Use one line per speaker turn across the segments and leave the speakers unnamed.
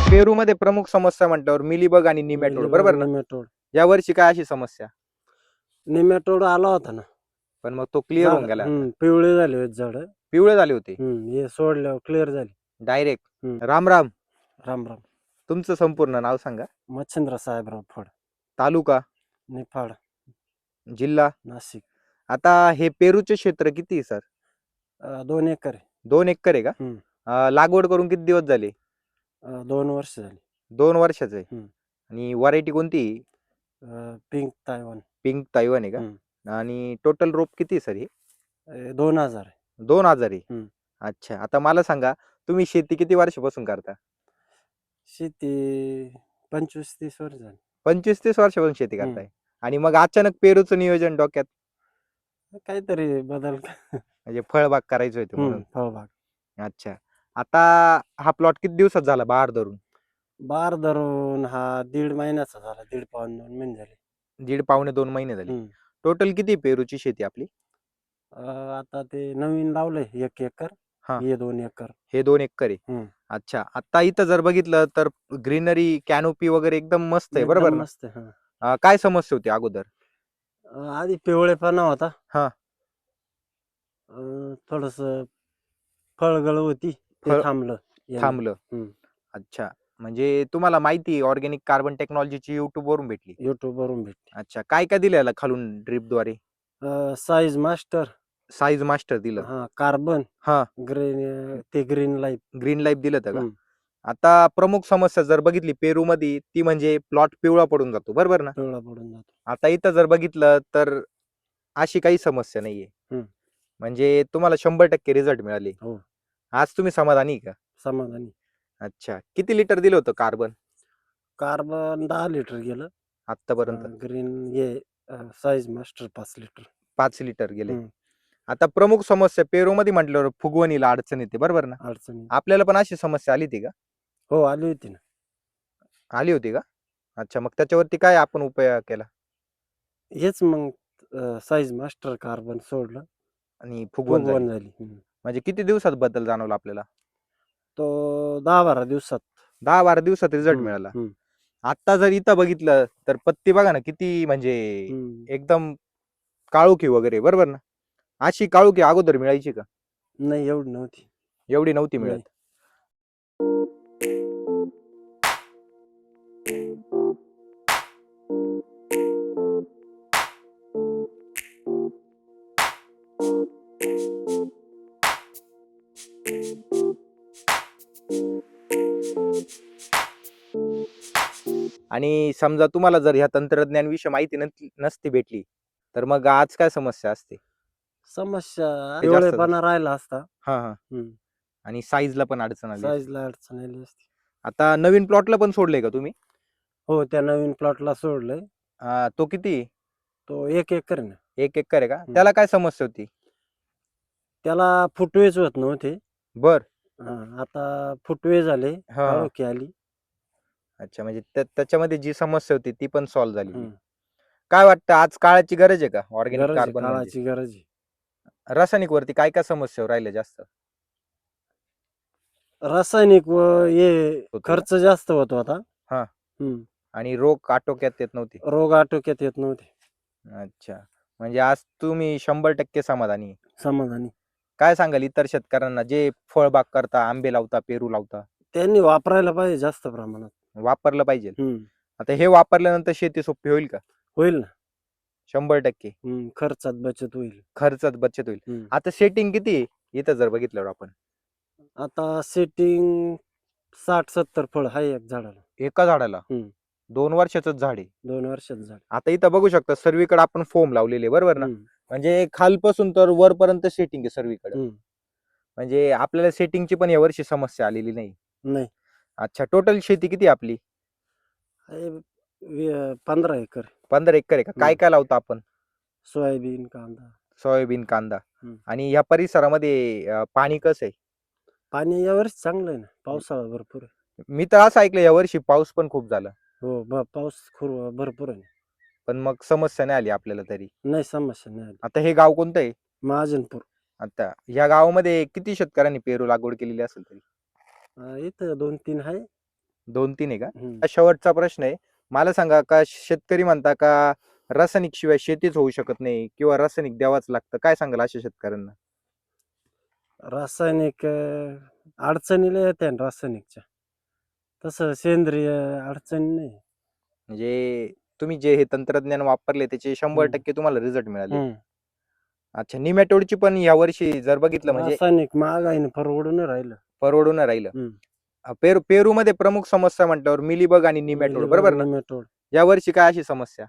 पेरूमध्ये प्रमुख समस्या म्हटल्यावर मिलीबग आणि निमॅटोड बरोबर ना?
नेमॅटोड
या वर्षी काय अशी समस्या?
नेमॅटोड आला होता ना.
पण मग तो क्लिअर होऊन गेला आता.
पिवळे झाले होते झाड.
पिवळे झाले होते
हे सोडल्यावर क्लिअर झाले.
डायरेक्ट. राम राम.
राम राम.
तुमचं संपूर्ण नाव सांगा.
मच्छिंद्र साहेबराव फड,
तालुका,
निफाड,
जिल्हा.
नाशिक.
आता हे पेरूचे क्षेत्र किती आहे सर?
2 एकर आहे.
2 एकर आहे का? लागवड करून किती दिवस झाले?
2 वर्ष झाली.
2 वर्षाचं आहे.
हम्म.
आणि व्हरायटी कोणती?
Pink Taiwan.
पिंक ताईवान आहे का? आणि टोटल रोप किती आहे सर हे?
2000 आहे.
2000 आहे.
हम्म.
अच्छा. आता मला सांगा, तुम्ही शेती किती वर्षापासून करता?
शेती 25-30 वर्ष झाली.
25-30 वर्षापासून शेती करताय. आणि मग अचानक पेरूचं नियोजन डोक्यात?
काहीतरी बदल.
म्हणजे फळबाग करायची होती म्हणून.
फळबाग.
अच्छा. आता हा प्लॉट किती दिवसात झाला बहार धरून?
बार धरून हा 1.5 महिन्याचा झाला. 1.5 पाऊण 2 महिने झाले.
1.5 पावणे 2 महिने झाले. टोटल किती पेरूची शेती आपली?
आता ते नवीन लावलंय 1 एकर.
हा.
हे 2 एकर.
हे 2 एकर आहे. अच्छा. आता इथं जर बघितलं तर ग्रीनरी, कॅनोपी वगैरे एकदम मस्त आहे बरोबर ना?
मस्त आहे.
काय समस्या होती अगोदर?
आधी पिवळेपणा होता.
हा.
थोडस फळगळ होती, ते थांबलं.
अच्छा. म्हणजे तुम्हाला माहिती ऑर्गॅनिक कार्बन टेक्नॉलॉजीची युट्यूब वरून भेटली?
युट्यूब वरून भेटली.
अच्छा. काय काय दिलं याला खालून ड्रिपद्वारे?
साईज मास्टर,
साईज मास्टर दिलं.
कार्बन,
हा.
Green life.
ग्रीन लाईफ दिलं का? आता प्रमुख समस्या जर बघितली पेरू मध्ये, ती म्हणजे प्लॉट पिवळा पडून जातो बरोबर ना?
पिवळा पडून जातो.
आता इथं जर बघितलं तर अशी काही समस्या नाहीये. म्हणजे तुम्हाला 100% रिझल्ट मिळाले.
हो.
आज तुम्ही समाधानी का?
समाधानी.
अच्छा. किती लिटर दिलं होतं कार्बन?
कार्बन 10 लिटर गेलं
आतापर्यंत.
Green size master 5 litre.
5 litre गेले. आता प्रमुख समस्या पेरूमध्ये म्हटल्यावर फुगवणीला अडचण येते बरोबर ना?
अडचणी.
आपल्याला पण अशी समस्या आली होती का?
हो, आली होती ना.
आली होती का? अच्छा. मग त्याच्यावरती काय आपण उपाय केला?
हेच मग साईज मास्टर कार्बन सोडलं
आणि फुगवण
झाली.
म्हणजे किती दिवसात बदल जाणवला आपल्याला?
तो 10-12 दिवसात.
10-12 दिवसात रिझल्ट मिळाला. आता जर इथं बघितलं तर पत्ती बघा ना किती म्हणजे एकदम काळोखी वगैरे बरोबर ना? अशी काळोखी अगोदर मिळायची का?
नाही, एवढी नव्हती.
एवढी नव्हती मिळत. आणि समजा तुम्हाला जर ह्या तंत्रज्ञान विषयी माहिती नसती भेटली तर मग आज काय समस्या असते?
समस्या पिवळेपणा राहिला असता.
हा. आणि साईजला पण अडचण आली.
साईजला अडचण आली असती.
आता नवीन प्लॉटला पण सोडलंय का तुम्ही?
हो, त्या नवीन प्लॉटला सोडलंय.
तो किती?
तो 1 एकर ना.
1 एकर आहे का? त्याला काय समस्या होती?
त्याला फुटवेच होत नव्हते.
बर.
आता फुटवे झाले, काळोखी आली.
अच्छा. म्हणजे त्याच्यामध्ये जी समस्या होती ती पण सॉल्व्ह झाली. काय वाटतं आज काळाची गरज आहे का ऑर्गॅनिक कार्बन?
काळाची गरज आहे.
रासायनिक वरती काय काय समस्या राहिल्या जास्त?
रासायनिक खर्च जास्त होतो आता.
आणि रोग आटोक्यात येत नव्हते.
रोग आटोक्यात येत नव्हते.
अच्छा. म्हणजे आज तुम्ही 100% समाधानी?
समाधानी.
काय सांगाल इतर शेतकऱ्यांना जे फळबाग करता, आंबे लावता, पेरू लावता?
त्यांनी वापरायला पाहिजे जास्त प्रमाणात.
वापरलं पाहिजे. आता हे वापरल्यानंतर शेती सोपी होईल का?
होईल ना.
100%.
खर्चात बचत होईल.
खर्चात बचत होईल. आता सेटिंग किती आहे इथं जर बघितल्यावर आपण?
आता सेटिंग 60-70 फळ आहे एक झाडाला.
एका झाडाला? 2 वर्षाचं झाड आहे.
2 वर्षाचं झाड.
आता इथं बघू शकता सर्वीकडे आपण फोम लावलेले बरोबर ना? म्हणजे खालपासून तर वरपर्यंत सेटिंग आहे सर्वीकडे. म्हणजे आपल्याला सेटिंगची पण यावर्षी समस्या आलेली नाही. अच्छा. टोटल शेती किती आपली?
15 एकर.
15 एकर आहे का? काय काय लावतो आपण?
सोयाबीन, कांदा.
आणि या परिसरामध्ये पाणी कसं आहे?
पाणी यावर्षी चांगलं आहे ना. पावसाळा भरपूर आहे.
मी तर असं ऐकलं यावर्षी पाऊस पण खूप झाला.
हो, पाऊस भरपूर आहे.
पण मग समस्या नाही आली आपल्याला तरी?
नाही, समस्या नाही आली.
आता हे गाव कोणतं आहे?
महाजनपूर.
आता या गावामध्ये किती शेतकऱ्यांनी पेरू लागवड केलेली असेल तरी?
इथं 2-3 आहे.
2-3 आहे का?
हम्म.
शेवटचा प्रश्न आहे. मला सांगा का शेतकरी म्हणता का रासायनिक शिवाय शेतीच होऊ शकत नाही किंवा रासायनिक द्यावाच लागतं? काय सांगाल अशा शेतकऱ्यांना?
रासायनिक अडचणीला येते ना रासायनिकच्या. तसं सेंद्रिय अडचणी नाही.
म्हणजे तुम्ही जे हे तंत्रज्ञान वापरले त्याचे 100% तुम्हाला रिझल्ट मिळाले.
हम्म.
अच्छा, निमॅटोडची पण यावर्षी जर बघितलं म्हणजे
रासायनिक महागाईने परवडून नाही राहिलं.
परवडून नाही राहिलं.
हम्म.
पेरूमध्ये प्रमुख समस्या म्हटल्यावर मिलीबग आणि निमॅटोड
मिलीबग,
बरोबर ना?
नेमाटोड.
यावर्षी काय अशी समस्या?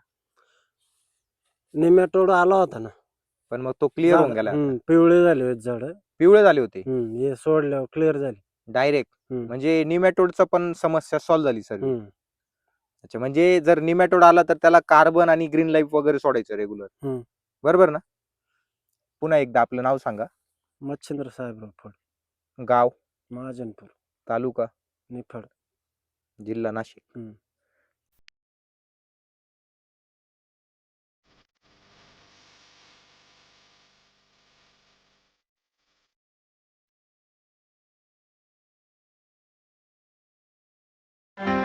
नेमाटोड आला होता ना.
पण मग तो क्लिअर होऊन गेला आता.
पिवळे झाले होते झाड.
पिवळे झाले होते
हे सोडल्यावर क्लिअर झाली.
डायरेक्ट.
हम्म.
म्हणजे निमॅटोडचा पण समस्या सॉल्व्ह झाली सर्व.
हम्म.
अच्छा, म्हणजे जर निमॅटोड आला तर त्याला कार्बन आणि ग्रीन लाईफ वगैरे सोडायचं रेग्युलर.
हम्म.
बरोबर ना? पुन्हा एकदा आपलं नाव सांगा.
मच्छिंद्र साहेबराव फड,
गाव,
महाजनपूर,
तालुका,
निफाड.
जिल्हा नाशिक.
हम्म.